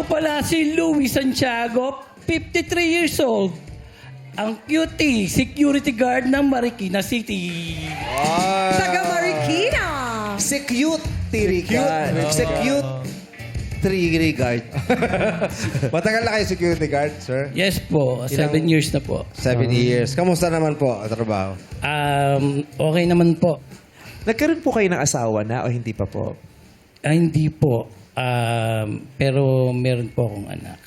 pala si Louis Santiago, 53 years old. Ang cutie, security guard ng Marikina City. Taga Marikina. Security guard. Security guard. Matagal na kayo security guard, sir? Yes po, 7 years na po. 7 years. Kamusta naman po ang trabaho? Okay naman po. Nagkaroon po kayo ng asawa na o hindi pa po? Hindi po. Pero meron po akong anak.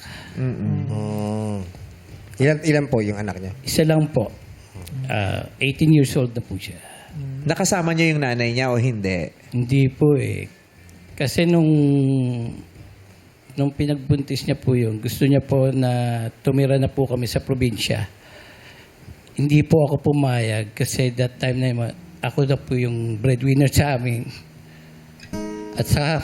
Ilan po yung anak niya? Isa lang po. 18 years old na po siya. Nakasama niyo yung nanay niya o hindi? Hindi po eh. Kasi nung pinagbuntis niya po yun, gusto niya po na tumira na po kami sa probinsya. Hindi po ako pumayag kasi that time na yun, ako na po yung breadwinner sa amin. At saka,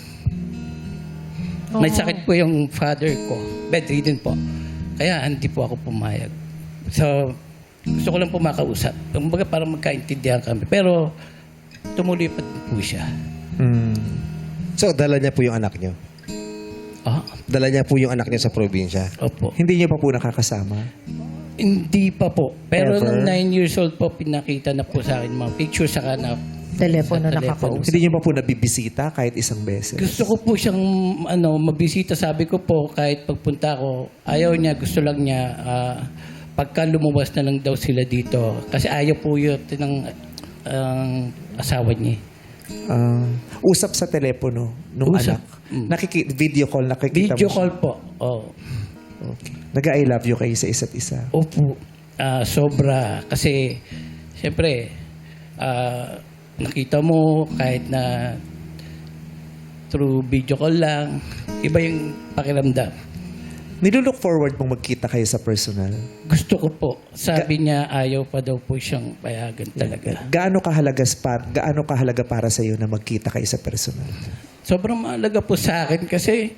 may sakit po yung father ko. Bedridden po. Kaya hindi po ako pumayag. So, gusto ko lang po makausap. Kumbaga parang magkaintindihan kami. Pero, tumuloy pa din po siya. So, dala niya po yung anak niyo? Ah, Dala niya po yung anak niya sa probinsya? opo. Hindi niyo pa po nakakasama? Hindi pa po. Pero Ever? nung 9 years old po, pinakita na po sa akin mga picture sa kanap. Telepono Sa nakakausap. Hindi niyo pa po nabibisita kahit isang beses? Gusto ko po siyang mabisita. Sabi ko po, kahit pagpunta ko, ayaw niya, gusto lang niya, pagka lumabas na lang daw sila dito. Kasi ayaw po yun ng asawa niya. Usap sa telepono nung Usap. anak? Video call, nakikita Video mo siya? call po. Oh. Okay. Nag-I love you kayo sa isa't isa? Opo. Sobra. Kasi, siyempre, nakita mo kahit na through video call lang, iba yung pakiramdam. Nilulook forward mong magkita kayo sa personal? Gusto ko po. Sabi niya, ayaw pa daw po siyang payagan talaga. Gaano kahalaga para sa iyo na magkita kayo sa personal? Sobrang mahalaga po sa akin kasi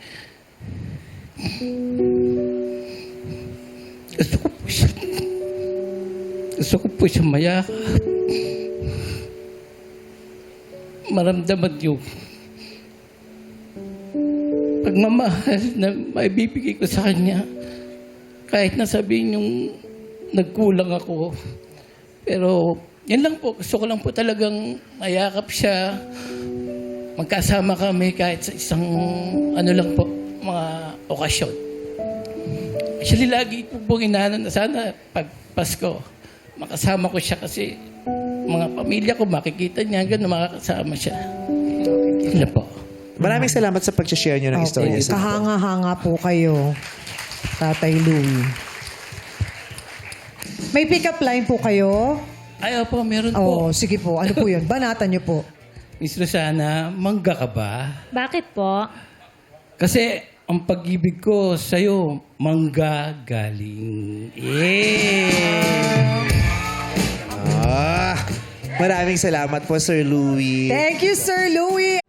gusto ko po siya mayakap. Maramdaman yung pagmamahal na maibibigay ko sa kanya. Kahit na sabihin yung nagkulang ako. Pero yan lang po. Gusto ko lang po talagang mayakap siya. Magkasama kami kahit sa isang lang po, mga okasyon. Actually, lagi po pong inaano na sana pag Pasko, makasama ko siya kasi mga pamilya ko makikita niya hanggang na makakasama siya. Yan po. Maraming salamat sa pag-share niyo ng istorya sa akin. Kahanga-hanga po kayo, Tatay Louie. May pick-up line po kayo? Ayaw po, meron Oo, po. sige po. Ano po yun? Banatan niyo po. Miss Rosana, mangga ka ba? Bakit po? Kasi ang pag-ibig ko sa'yo, mangga galing. Yeah! Maraming salamat po, Sir Louie. Thank you, Sir Louie.